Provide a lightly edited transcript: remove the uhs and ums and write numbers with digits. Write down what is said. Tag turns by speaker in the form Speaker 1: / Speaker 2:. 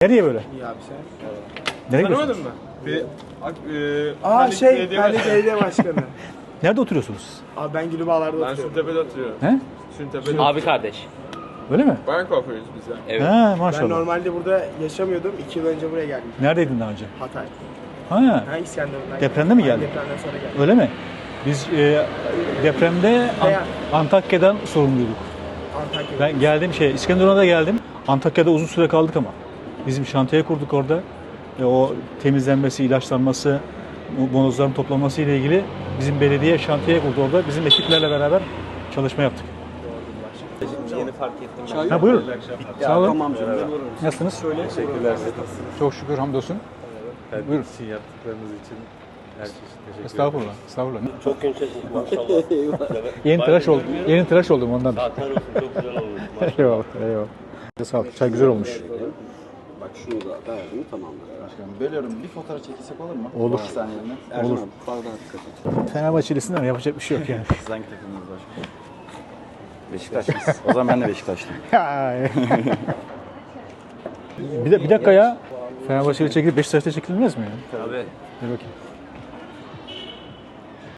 Speaker 1: Nereye böyle?
Speaker 2: İyi abi sen.
Speaker 1: Nereye gidiyorsun?
Speaker 3: Tanımadın mı?
Speaker 2: Halit Belediye Başkanı.
Speaker 1: Nerede oturuyorsunuz?
Speaker 2: Abi ben Gülübağlar'da
Speaker 3: Ben
Speaker 2: oturuyorum.
Speaker 3: Süntepe'de oturuyorum.
Speaker 1: He?
Speaker 3: Süntepe'de.
Speaker 4: Abi kardeş.
Speaker 1: Öyle mi?
Speaker 3: Bayan kuaförüyüz biz de.
Speaker 4: Evet.
Speaker 1: Ha
Speaker 2: Ben
Speaker 1: maşallah.
Speaker 2: normalde burada yaşamıyordum. 2 yıl önce buraya geldim.
Speaker 1: Neredeydin daha önce?
Speaker 2: Hatay.
Speaker 1: Ha,
Speaker 2: Ha İskenderun'dan.
Speaker 1: Depremde mi
Speaker 2: geldim.
Speaker 1: geldin?
Speaker 2: Depremden sonra geldim.
Speaker 1: öyle mi? Biz depremde Antakya'dan sorumluyduk.
Speaker 2: Antakya'da.
Speaker 1: Ben geldim İskenderun'a da geldim. Antakya'da uzun süre kaldık ama. Bizim şantiye kurduk orada. O temizlenmesi, ilaçlanması, bonozların toplanması ile ilgili bizim belediye şantiye kurdu orada. Bizim ekiplerle beraber çalışma yaptık.
Speaker 4: Yeni fark ettim.
Speaker 1: Ha buyurun. Sağ olun.
Speaker 5: Tamam canım.
Speaker 1: Nasılsınız?
Speaker 5: Teşekkürler.
Speaker 1: Çok şükür hamdolsun. Buyurun.
Speaker 5: Sizin yaptıklarınız için her çeşit teşekkür
Speaker 1: Estağfurullah. Estağfurullah.
Speaker 6: Çok yumuşacık maşallah.
Speaker 1: Yeni tıraş oldum. Yeni tıraş oldum ondan.
Speaker 6: Zaten olsun çok güzel olmuş.
Speaker 1: Eyvallah. Eyvallah. Sağ ol. Çay güzel olmuş.
Speaker 5: Bak şunu da verdim tamamdır. Başkanım bölüyorum. Bir fotoğraf çekilsek olur mu?
Speaker 1: Olur.
Speaker 5: 2 saniyeliğine. Ercan
Speaker 1: Olur.
Speaker 5: abi bardağa dikkat et.
Speaker 1: Fenerbahçelisin ama yapacak bir şey yok yani.
Speaker 5: Siz hangi takımınız başkanım? Beşiktaşlıyız. O zaman ben de Beşiktaşlıyım.
Speaker 1: Bir dakika ya. Fenerbahçe'yle çekilip Beşiktaş'ta çekilmez mi ya?
Speaker 4: Abi.
Speaker 1: Dur bakayım.